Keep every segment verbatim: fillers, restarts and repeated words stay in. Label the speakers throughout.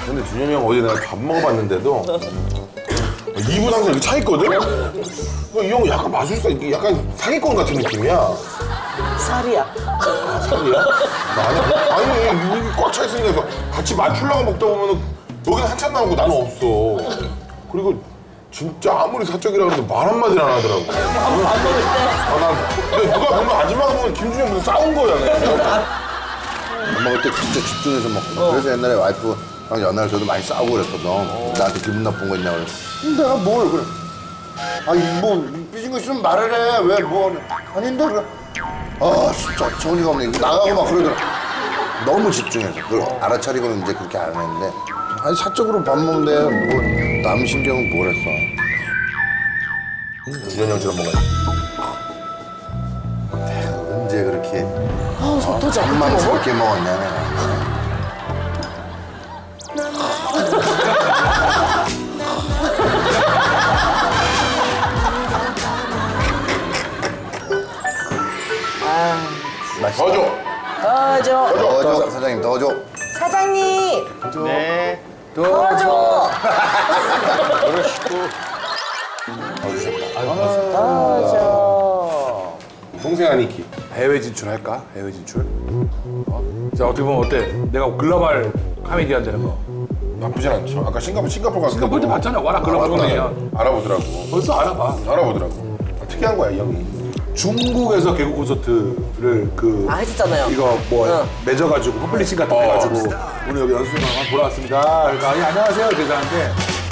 Speaker 1: 근데 준현이 형 어제 내가 밥 먹어봤는데도 이 분 항상 이렇게 차 있거든? 이 형은 약간 마술사, 이게 약간 사기꾼 같은 느낌이야.
Speaker 2: 쌀이야.
Speaker 1: 아, 사기야? 아니, 아니, 이게 꽉 차 있으니까 같이 맞추려고 먹다 보면은 여기는 한참 나오고 나는 없어. 그리고 진짜 아무리 사적이라 그래도 말 한마디를 안 하더라고.
Speaker 2: 밥 먹을 때.
Speaker 1: 아, 나, 근데 누가 보면 아줌마가 보면 김준영 무슨 싸운 거야, 그냥.
Speaker 3: 밥 먹을 때 진짜 집중해서 먹고. 그래서 옛날에 와이프랑 연애할 때도 많이 싸우고 그랬거든. 나한테 기분 나쁜 거 있냐고. 그래. 내가 뭘 그래. 아니 뭐 삐진 거 있으면 말을 해. 왜 뭐. 아닌데 그래. 아 진짜 정리가 없네. 이거 나가고 막 그러더라. 너무 집중해서. 그걸 알아차리고는 이제 그렇게 안 했는데. 아니 사적으로 밥 먹는데 뭐 남 신경은 뭘 했어.
Speaker 1: 준현이 형처럼 먹어야지.
Speaker 3: 언제 그렇게
Speaker 2: 아, 속 터져.
Speaker 3: 만만스럽게 먹었냐 내가. 맛있다.
Speaker 1: 더 줘.
Speaker 2: 더 줘.
Speaker 3: 더 줘. 사장님 더 줘.
Speaker 2: 사장님.
Speaker 4: 네.
Speaker 2: 더 줘. 더 줘.
Speaker 1: 동생 아니키.
Speaker 4: 해외 진출할까? 해외 진출? 어? 자, 어떻게 보면 어때? 내가 글로벌 코미디언 되는 거.
Speaker 1: 나쁘진 않죠. 아까 싱가포르, 싱가포르 갔을
Speaker 4: 싱가포르 때 봤잖아. 와라, 글로벌 코미디언.
Speaker 1: 알아보더라고.
Speaker 4: 벌써 알아봐.
Speaker 1: 알아보더라고. 특이한 거야, 이 형이.
Speaker 4: 중국에서 개국 콘서트를 그
Speaker 2: 아, 해줬잖아요.
Speaker 4: 이거 뭐
Speaker 2: 응.
Speaker 4: 맺어가지고 퍼블리싱 같은 거 해가지고 오늘 여기 연습생 한번 보러 왔습니다. 그러니까 아니, 안녕하세요 이렇게 하는데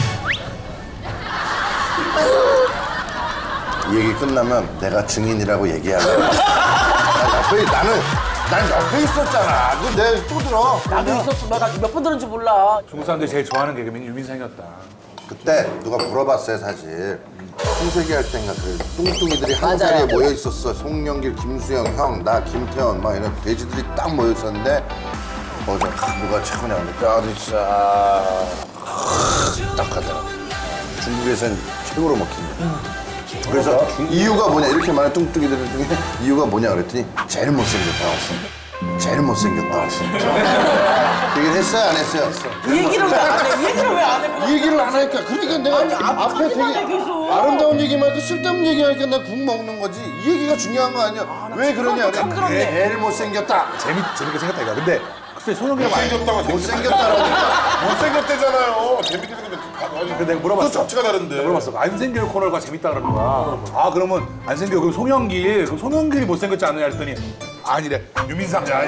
Speaker 3: 이 얘기 끝나면 내가 증인이라고 얘기하려고. 나 옆에 나는 난 옆에 있었잖아. 그 내가 또 들어.
Speaker 2: 나도 있었어. 내가 몇 번 들은지 몰라.
Speaker 4: 중국 사람들이 제일 좋아하는 개그맨이 유민상이었다.
Speaker 3: 그때 누가 물어봤어요 사실. 홍세기 할 땐가 그 뚱뚱이들이 한
Speaker 2: 맞아요.
Speaker 3: 자리에 모여 있었어. 송영길, 김수영, 형, 나, 김태원 막 이런 돼지들이 딱 모여 있었는데 어제 누가 최근에 왔는데 뼈도 있어. 딱 하더라. 중국에선 최고로 먹힌다. 그래서 이유가 뭐냐 이렇게 많은 뚱뚱이들 중에 이유가 뭐냐 그랬더니 제일 못생겼다. 제일 못생겼다. 진짜. 얘기를 했어요 안 했어요?
Speaker 2: 이 얘기를 왜 안 해? 이 얘기를 왜 안 해?
Speaker 3: 이 얘기를 안 하니까 그러니까 내가
Speaker 2: 아니, 앞-
Speaker 3: 앞에
Speaker 2: 앞에만
Speaker 3: 되게
Speaker 2: 해, 계속.
Speaker 3: 아름다운 얘기 말고 쓸데없는 얘기하니까 나 국 먹는 거지. 이 얘기가 중요한 거 아니야? 왜 그러냐?
Speaker 2: 참
Speaker 3: 그래.
Speaker 2: 그렇네.
Speaker 3: 제일 못생겼다.
Speaker 4: 재밌 재밌게 생겼다 이거. 근데 글쎄 손흥민이 많이.
Speaker 1: 못생겼다고
Speaker 3: 못생겼다라니까.
Speaker 1: 못생겼대잖아요. 재밌게 생겼는데.
Speaker 4: 근데 내가 물어봤어.
Speaker 1: 또 잡지가 다른데.
Speaker 4: 내가 물어봤어. 안생길 코너가 재밌다 그러는 거야. 아 그러면 안생길 그럼 송영길 그럼 송영길이 못생겼지 않느냐 했더니 아니래 유민상. 아니.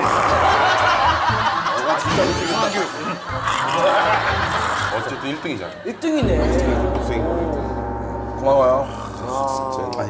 Speaker 1: 아, 진짜 못생겼다. 어쨌든 일 등이잖아.
Speaker 2: 일 등이네.
Speaker 1: 못생긴 거.
Speaker 4: 고마워요.
Speaker 1: 진짜.